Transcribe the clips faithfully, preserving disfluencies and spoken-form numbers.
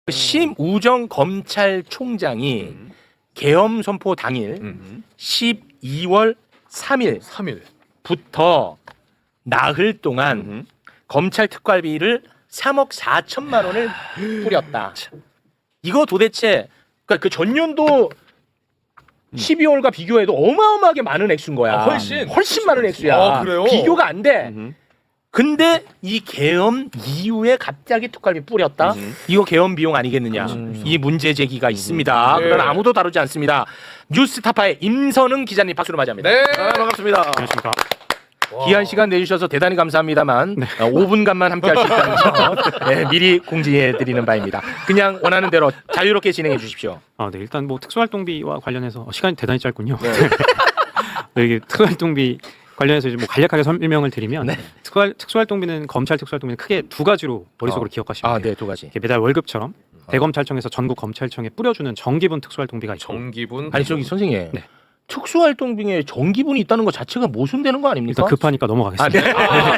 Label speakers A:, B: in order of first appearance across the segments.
A: 심우정 검찰총장이 음. 계엄 선포 당일 음. 십이월 삼일 삼일부터 나흘 동안 음. 검찰 특활비를 삼억 사천만 원을 뿌렸다. 이거 도대체 그러니까 그 전년도 음. 십이월과 비교해도 어마어마하게 많은 액수인 거야.
B: 아, 훨씬
A: 훨씬 많은 액수야.
B: 아, 그래요?
A: 비교가 안 돼.
B: 음흠.
A: 근데 이 계엄 이후에 갑자기 특활비 뿌렸다? 음흠. 이거 계엄 비용 아니겠느냐? 음. 이 문제 제기가 있습니다. 네. 그러나 아무도 다루지 않습니다. 뉴스타파의 임선흥 기자님 박수로 맞이합니다.
B: 네,
A: 아, 반갑습니다.
C: 안녕하십니까.
A: 귀한 시간 내주셔서 대단히 감사합니다만 네. 어, 오 분간만 함께 할 수 있다는 점 네, 미리 공지해드리는 바입니다. 그냥 원하는 대로 자유롭게 진행해 주십시오.
C: 아, 네, 일단 뭐 특수활동비와 관련해서 시간이 대단히 짧군요. 네. 네, 이게 특수활동비 관련해서 이제 뭐 간략하게 설명을 드리면 네. 특수활, 특수활동비는 검찰 특수활동비는 크게 두 가지로 머릿속으로 어. 기억하시면 돼요.
A: 아, 네, 두 가지.
C: 매달 월급처럼 어. 대검찰청에서 전국 검찰청에 뿌려주는 정기분 특수활동비가 있고.
B: 정기분?
A: 아니 저기 선생님. 네. 특수활동비에 정기분이 있다는 것 자체가 모순되는 거 아닙니까?
C: 일단 급하니까 넘어가겠습니다.
A: 아, 네.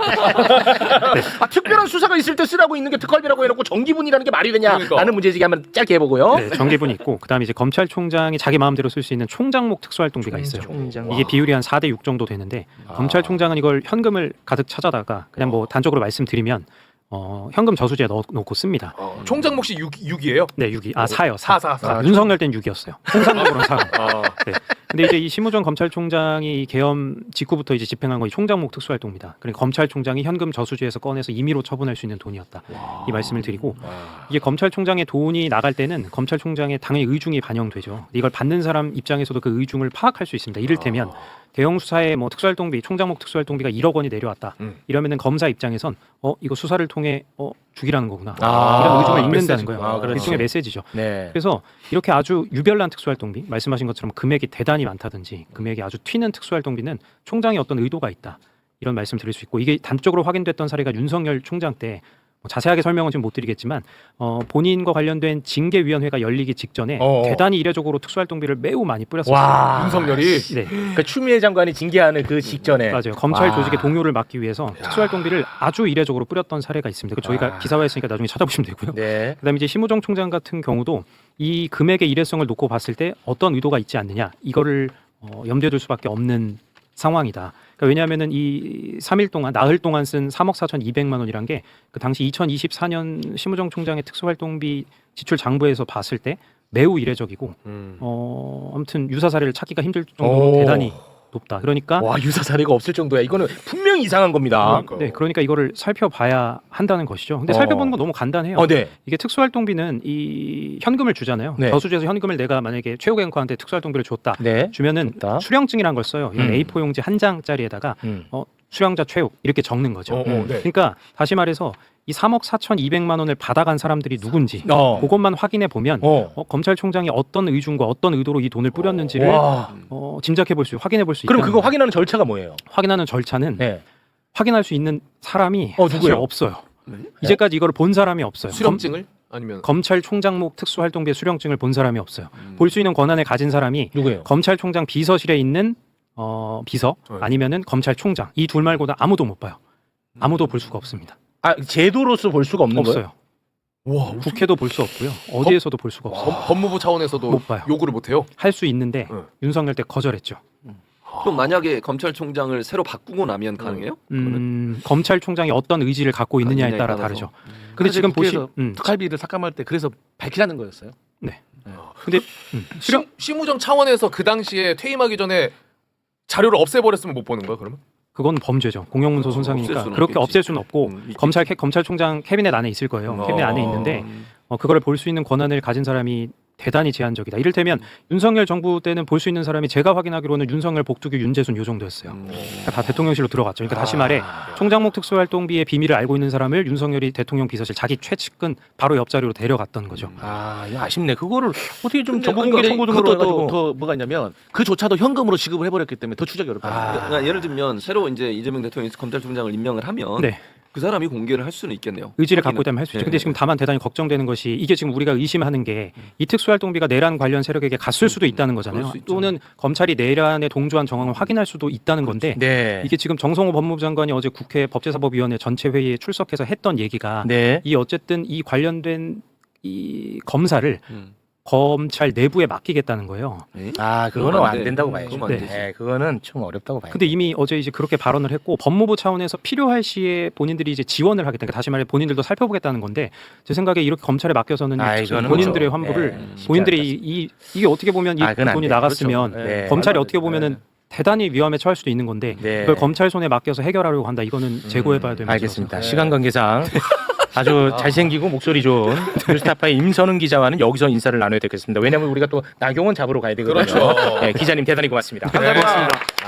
A: 아. 네. 아, 특별한 수사가 있을 때 쓰라고 있는 게 특활비라고 해놓고 정기분이라는 게 말이 되냐? 그러니까. 라는 문제제기 한번 짧게 해보고요.
C: 네, 정기분이 있고 그다음에 이제 검찰총장이 자기 마음대로 쓸 수 있는 총장목 특수활동비가 있어요.
A: 총장.
C: 이게 비율이 한 사 대 육 정도 되는데 아. 검찰총장은 이걸 현금을 가득 찾아다가 그냥 뭐 단적으로 말씀드리면 어, 현금 저수지에 넣어 놓고 씁니다.
B: 어, 총장 몫이 육이에요?
C: 네, 육이. 아, 사요. 사.
B: 사, 사, 사.
C: 아, 윤석열 땐 육이었어요. 통상적으로는 사. 아. 네. 근데 이제 이 심우정 검찰총장이 이 계엄 직후부터 이제 집행한 거 이 총장목 특수활동입니다. 그러니까 검찰총장이 현금 저수지에서 꺼내서 임의로 처분할 수 있는 돈이었다. 와. 이 말씀을 드리고 와. 이게 검찰총장의 돈이 나갈 때는 검찰총장의 당연히 의중이 반영되죠. 이걸 받는 사람 입장에서도 그 의중을 파악할 수 있습니다. 이를테면 아. 대형 수사에 뭐 특수활동비, 총장목 특수활동비가 일억 원이 내려왔다. 음. 이러면은 검사 입장에선 어 이거 수사를 통해 어 죽이라는 거구나. 아. 이런 의중을 읽는다는 거예요. 아, 일종의 메시지죠. 네. 그래서 이렇게 아주 유별난 특수활동비, 말씀하신 것처럼 금액이 대단히 많다든지 금액이 아주 튀는 특수활동비는 총장의 어떤 의도가 있다. 이런 말씀 드릴 수 있고 이게 단적으로 확인됐던 사례가 윤석열 총장 때 뭐 자세하게 설명은 지금 못 드리겠지만 어, 본인과 관련된 징계위원회가 열리기 직전에 어어. 대단히 이례적으로 특수활동비를 매우 많이 뿌렸었어요.
B: 윤석열이?
C: 네.
A: 그러니까 추미애 장관이 징계하는 그 직전에
C: 맞아요. 검찰 와. 조직의 동요를 막기 위해서 야. 특수활동비를 아주 이례적으로 뿌렸던 사례가 있습니다. 저희가 아. 기사화했으니까 나중에 찾아보시면 되고요. 네. 그다음에 이제 심우정 총장 같은 경우도 이 금액의 이례성을 놓고 봤을 때 어떤 의도가 있지 않느냐 이거를 어, 염두에 둘 수밖에 없는 상황이다. 그러니까 왜냐하면은 이 삼 일 동안 나흘 동안 쓴 삼억 사천이백만 원이란 게 그 당시 이천이십사 년 심우정 총장의 특수활동비 지출 장부에서 봤을 때 매우 이례적이고 음. 어, 아무튼 유사 사례를 찾기가 힘들 정도로 오. 대단히 높다. 그러니까
A: 와 유사 사례가 없을 정도야. 이거는 분명히 이상한 겁니다.
C: 그러니까. 네, 그러니까 이거를 살펴봐야 한다는 것이죠. 근데 어. 살펴보는 건 너무 간단해요.
A: 어, 네.
C: 이게 특수활동비는 이 현금을 주잖아요. 네. 저수지에서 현금을 내가 만약에 최고 앵커한테 특수활동비를 줬다. 네. 주면은 줬다. 수령증이란 걸 써요. 이런 음. 에이 사 용지 한 장짜리에다가 음. 어, 수령자 최욱 이렇게 적는 거죠. 어, 어, 네. 그러니까 다시 말해서 이 삼억 사천이백만 원을 받아간 사람들이 누군지 어. 그것만 확인해 보면 어. 어, 검찰총장이 어떤 의중과 어떤 의도로 이 돈을 뿌렸는지를 어, 짐작해 볼 수, 확인해 볼 수 있다.
A: 그럼 그거 확인하는 절차가 뭐예요?
C: 확인하는 절차는 네. 확인할 수 있는 사람이
A: 어,
C: 사실 없어요. 네? 이제까지 이거를 본 사람이 없어요.
B: 수령증을? 아니면
C: 검찰총장목 특수활동비의 수령증을 본 사람이 없어요. 음. 볼 수 있는 권한을 가진 사람이
A: 누구예요?
C: 검찰총장 비서실에 있는 어, 비서 네. 아니면은 검찰총장 이 둘 말고는 아무도 못 봐요. 아무도 볼 수가 없습니다.
A: 아 제도로서 볼 수가 없는
C: 없어요.
A: 거예요?
C: 와, 국회도 볼 수 없고요. 어디에서도 볼 수가 없어요.
B: 법, 법무부 차원에서도 못 봐요. 요구를 못 해요?
C: 할 수 있는데 네. 윤석열 때 거절했죠.
D: 그럼 만약에 검찰총장을 새로 바꾸고 나면 가능해요?
C: 음, 검찰총장이 어떤 의지를 갖고 있느냐에 따라
D: 따라서.
C: 다르죠. 음. 근데 지금 보시
E: 음. 특활비를 삭감할 때 그래서 밝히라는 거였어요.
C: 네. 네. 근데 음.
B: 수령 심우정 차원에서 그 당시에 퇴임하기 전에 자료를 없애버렸으면 못 보는 거야 그러면?
C: 그건 범죄죠. 공영문서 손상이니까 그렇게 없앨 수는 없고 음, 검찰 캐, 검찰총장 캐비넷 안에 있을 거예요. 어. 캐비넷 안에 있는데 어, 그거를 볼 수 있는 권한을 가진 사람이 대단히 제한적이다. 이를테면 음. 윤석열 정부 때는 볼 수 있는 사람이 제가 확인하기로는 윤석열, 복두규, 윤재순 요 정도였어요. 음. 그러니까 다 대통령실로 들어갔죠. 그러니까 아. 다시 말해 총장목 특수활동비의 비밀을 알고 있는 사람을 윤석열이 대통령 비서실 자기 최측근 바로 옆자리로 데려갔던 거죠.
A: 아, 이거 아쉽네. 그거를 어떻게 좀 정보
E: 그러니까
A: 공개 청구 등으로 해가지고
E: 더 뭐가 있냐면 그조차도 현금으로 지급을 해버렸기 때문에 더 추적이 어렵다.
D: 아. 그러니까 예를 들면 새로 이제 이재명 대통령이 검찰총장을 임명을 하면. 네. 그 사람이 공개를 할 수는 있겠네요.
C: 의지를 갖고 있다면 할 수 있죠. 네. 근데 지금 다만 대단히 걱정되는 것이 이게 지금 우리가 의심하는 게 이 특수활동비가 내란 관련 세력에게 갔을 수도 있다는 거잖아요. 또는 검찰이 내란에 동조한 정황을 확인할 수도 있다는 건데 네. 이게 지금 정성호 법무부 장관이 어제 국회 법제사법위원회 전체 회의에 출석해서 했던 얘기가 네. 이 어쨌든 이 관련된 이 검사를
D: 음.
C: 검찰 내부에 맡기겠다는 거예요.
A: 아, 그거는
D: 그건 안
A: 안
D: 돼.
A: 된다고 봐야죠.
D: 그건 안
C: 되지.
A: 네, 그거는 좀 어렵다고 봐요.
C: 근데 이미 어제 이제 그렇게 발언을 했고 법무부 차원에서 필요할 시에 본인들이 이제 지원을 하겠다. 그러니까 다시 말해 본인들도 살펴보겠다는 건데 제 생각에 이렇게 검찰에 맡겨서는
A: 아, 이거는
C: 본인들의
A: 그렇죠.
C: 환부를
A: 네, 쉽지
C: 본인들이
A: 않을
C: 이, 이 이게 어떻게 보면 이
A: 아, 그건 안
C: 돈이
A: 돼요.
C: 나갔으면
A: 그렇죠. 네.
C: 검찰이
A: 말도 안
C: 어떻게
A: 돼요.
C: 보면은 대단히 위험에 처할 수도 있는 건데
A: 네.
C: 그걸 검찰 손에 맡겨서 해결하려고 한다. 이거는 재고해봐야 될 문제라서.
A: 알겠습니다. 시간 관계상 아주 잘생기고 목소리 좋은 뉴스타파의 임선웅 기자와는 여기서 인사를 나눠야 되겠습니다. 왜냐하면 우리가 또 나경원 잡으러 가야 되거든요.
B: 그렇죠.
A: 네, 기자님 대단히 고맙습니다.
B: 감사합니다.